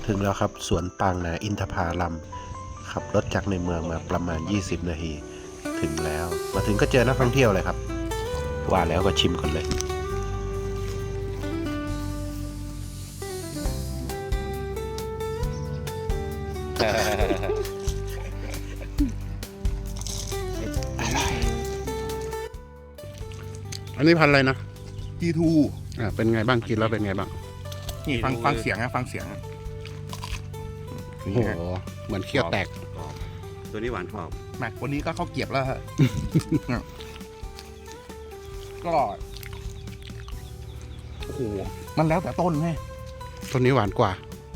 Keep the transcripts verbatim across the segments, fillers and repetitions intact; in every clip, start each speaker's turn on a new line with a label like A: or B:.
A: ถึงแล้วครับสวนปางนาอินทผลัมขับรถจากในเมืองมาประมาณยี่สิบนาทีถึงแล้วมาถึงก็เจอนักท่องเที่ยวเลยครับว่าแล้วก็ชิมกันเลยอร่อยอันนี้พันอะไรนะ
B: จี ทู
A: อ่าเป็นไงบ้างกินแล้วเป็นไงบ้าง
B: นี่ฟังฟังเสียงนะฟังเสียง
A: โอ้โหเหมือนเคี้ยวแตก
C: ตัวนี้หวานกรอบ
B: แม็กวันนี้ก็เข้าเกียบแล้วฮะ ก็โอ้โหมันแล้วแต่ต้นไง
A: ต้นนี้หวานกว่า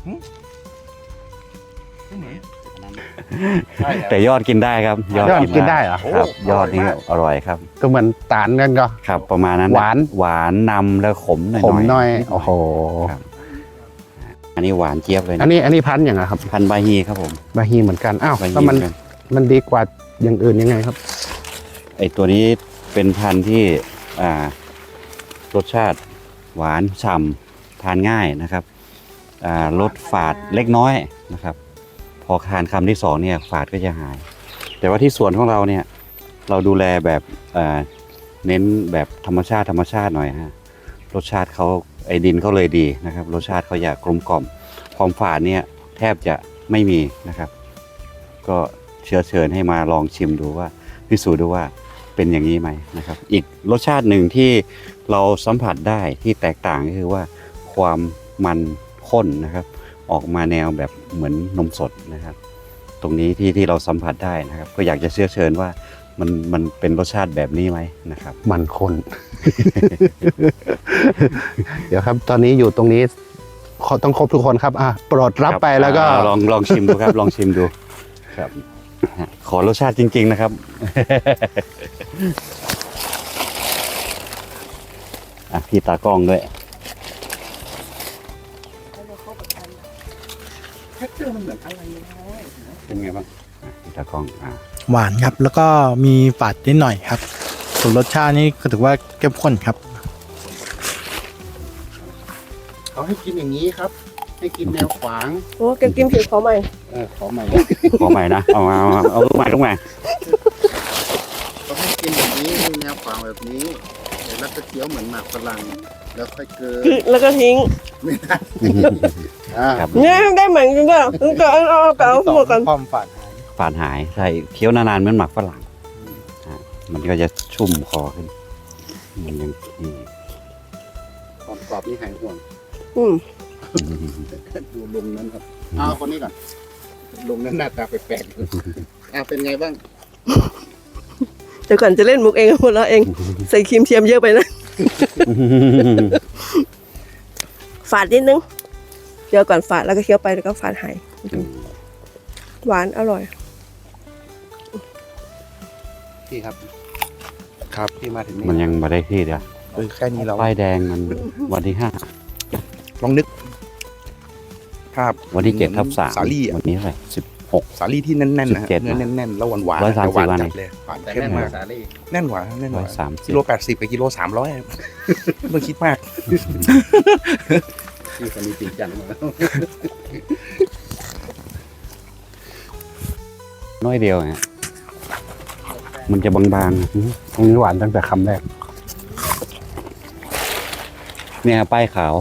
C: แต่ยอดกินได้ครับ
A: ยอดกินได้เหรอ
C: ครับ ยอดนี่อร่อยครับ
A: ก็เหมือนตาลกันก็
C: ครับประมาณนั้น
A: หวาน
C: หวานนำแล้วขมหน่อย
A: ขมหน่อย
C: ด
A: โอ้โห
C: ครับอันนี้หวานเจี๊ยบเลย
A: อัน
C: นะ
A: นี้อันนี้พันธุ์อย่างไรครับ
C: พันธุ์บาฮีครับผม
A: บาฮีเหมือนกันอ้าว
C: บาฮี
A: แล้วมัน
C: เหมือนกัน
A: มันดีกว่าอย่างอื่นยังไงครับ
C: ไอตัวนี้เป็นพันธุ์ที่อ่ารสชาติหวานฉ่ำทานง่ายนะครับอ่ารสฝาดเล็กน้อยนะครับ พอทานคำที่สองเนี่ยฝาดก็จะหาย แต่ว่าที่สวนของเราเนี่ยเราดูแลแบบอ่าเน้นแบบธรรมชาติธรรมชาติหน่อยฮะรสชาติเขาไอดินเขาเลยดีนะครับรสชาติเขาอยากกลมกล่อมความฝาดเนี่ยแทบจะไม่มีนะครับ ก็เชื้อเชิญให้มาลองชิมดูว่าพิสูจน์ดูว่าเป็นอย่างนี้ไหมนะครับ อีกรสชาติหนึ่งที่เราสัมผัสได้ที่แตกต่างก็คือว่าความมันข้นนะครับ ออกมาแนวแบบเหมือนนมสดนะครับ ตรงนี้ที่ที่เราสัมผัสได้นะครับ ก็อยากจะเชื้อเชิญว่ามันมันเป็นรสชาติแบบนี้ไหมนะครับ
A: มันคน เดี๋ยวครับ ตอนนี้อยู่ตรงนี้ขอต้องครบทุกคนครับอ่ะโปรดรับไปแล้วก็
C: อ่าลองลองชิมดูครับ ลองชิมดูครับขอรสชาติจริง ๆ นะครับ อ่ะพี่ตากล้องด้วยเป็นไงบ้างอ่ะพี่ตากล้องอ่ะ
D: หวานครับแล้วก็มีฝาดนิดหน่อยครับส่วนรสชาตินี่ก็ถือว่าเข้มข้นครับ
A: เขาให้กินอย่างนี้ครับ ให้กินแนวขวาง
E: โอ้แกกินผิวเขาใหม่
A: เออขอใหม่
C: ขอใหม่นะเอามาเอามาเอาลูกใหม่ลูกใหม่
A: เขาให้กินอย่างนี้แนวขวางแบบนี้เดี๋ยวแล้วก็เคี้ยวเหมือนหมากฝรั่งแล้วค่อยเกิน
E: แล้วก็ทิ้ง
A: ไม่ได้อ่า
C: ครับ
E: เนี่ยได้เหมือนกันด้วยก็เอาเอาเอาเอาหมดกัน
A: ความฝัน
C: ฝาดหายใช่เคี้ยวนานๆเหมือนหมักฝรั่งอ่ะมันก็จะชุ่มคอขึ้นมันยังนี่
A: ความกรอบนี่หายห่วง
E: อืม
A: ดูลุงนั้นครับเอาคนนี้ก่อนลุงนั้นหน้าตาแปลกๆอ่าเป็นไงบ้าง
E: เดี๋ยวก่อนจะเล่นมุกเองหมดแล้วเองใส่ครีมเทียมเยอะไปนะฝาดนิดนึงเดี๋ยวก่อนฝาดแล้วก็เคี้ยวไปแล้วก็ฝาดหายหวานอร่อย
A: พี่ครับ ครับพี่มาถึงนี่
C: มันยังมาได้ที่เดียว
B: เออแค่นี้เรา
C: ป้ายแดงมันวันที่ห้า
B: ลองนึกภาพ
C: วันที่เจ็ดทับสาม
B: สาลี่อะ
C: วันนี้เท่าไหร่สิบหก
B: สาลี่ที่แน่นๆนะฮะ
C: สิบเจ็ด
B: เนื้อแน่นๆแล้วหวานหวาน
C: ร้อยสามสิบ
B: หวาน
C: วัน
B: จั
C: เอ
B: ด
C: ง
B: เลยหวาน
A: แต่
B: เข้ม
A: แน่น
B: มาก
A: สาลี่
B: แน่นหวานแน่นห
C: ร้อ
B: วาย น
C: สามสิบ
B: กิโลแปดสิบกับกิโลสามร้อยไม่ต้องคิดมาก
A: พี่คนนี้จริงจังมาแล้ว
C: น้อยเดียวฮะมันจะบางๆอื้อ
A: ตรงนี้หวานตั้งแต่คำแรก
C: เนี่ยป้ายขาว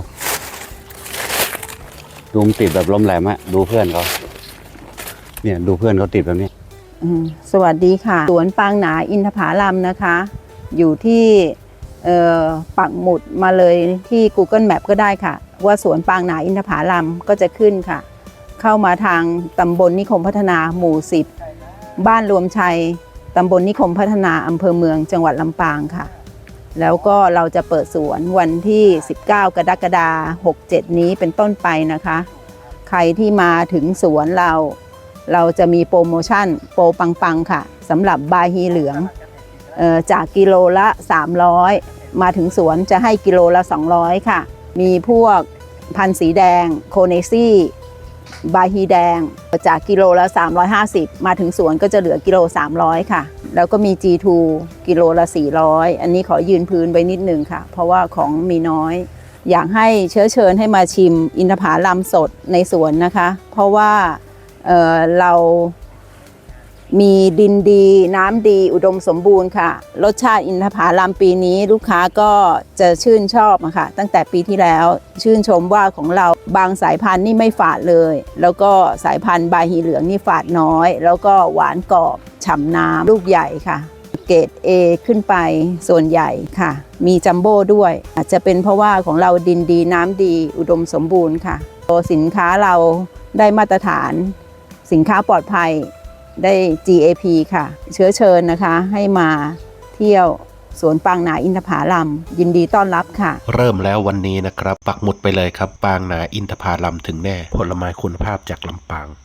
C: ดูมนติดแบบล้มแหลมอะดูเพื่อนเขาเนี่ยดูเพื่อนเขาติดแบบนี้
F: อืมสวัสดีค่ะ สวนปางหนาอินทผลัมนะคะ อยู่ที่เอ่อปักหมุดมาเลยที่ Google Map ก็ได้ค่ะ ว่าสวนปางหนาอินทผลัมก็จะขึ้นค่ะ เข้ามาทางตำบลนิคมพัฒนาหมู่สิบบ้านรวมชัยตำบลนิคมพัฒนาอำเภอเมืองจังหวัดลำปางค่ะ แล้วก็เราจะเปิดสวนวันที่ สิบเก้ากรกฎาคม หกเจ็ด นี้เป็นต้นไปนะคะ ใครที่มาถึงสวนเรา เราจะมีโปรโมชั่นโปรปังๆค่ะสำหรับบาฮีเหลืองเอ่อจากกิโลละสามร้อยมาถึงสวนจะให้กิโลละสองร้อยค่ะ มีพวกพันธุ์สีแดงโคเนซี่บาฮีแดงจากกิโลละสามร้อยห้าสิบมาถึงสวนก็จะเหลือกิโลสามร้อยค่ะ แล้วก็มี จี ทู กิโลละสี่ร้อยอันนี้ขอยืนพื้นไว้นิดนึงค่ะ เพราะว่าของมีน้อยอยากให้เชื้อเชิญให้มาชิมอินทผลัมสดในสวนนะคะ เพราะว่าเอ่อเรามีดินดีน้ำดีอุดมสมบูรณ์ค่ะรสชาติอินทผลัมปีนี้ลูกค้าก็จะชื่นชอบอะค่ะตั้งแต่ปีที่แล้วชื่นชมว่าของเราบางสายพันธุ์นี่ไม่ฝาดเลย แล้วก็สายพันธุ์บาฮีเหลืองนี่ฝาดน้อย แล้วก็หวานกรอบฉ่ำน้ำลูกใหญ่ค่ะเกรด A ขึ้นไปส่วนใหญ่ค่ะมีจัมโบ้ด้วยอาจจะเป็นเพราะว่าของเราดินดีน้ำดีอุดมสมบูรณ์ค่ะสินค้าเราได้มาตรฐานสินค้าปลอดภัยได้ จี เอ พี ค่ะ เชื้อเชิญนะคะให้มาเที่ยวสวนปางหนาอินทผลัมยินดีต้อนรับค่ะ
A: เริ่มแล้ววันนี้นะครับ ปักหมุดไปเลยครับ ปางนาอินทผลัมถึงแน่ ผลไม้คุณภาพจากลำปาง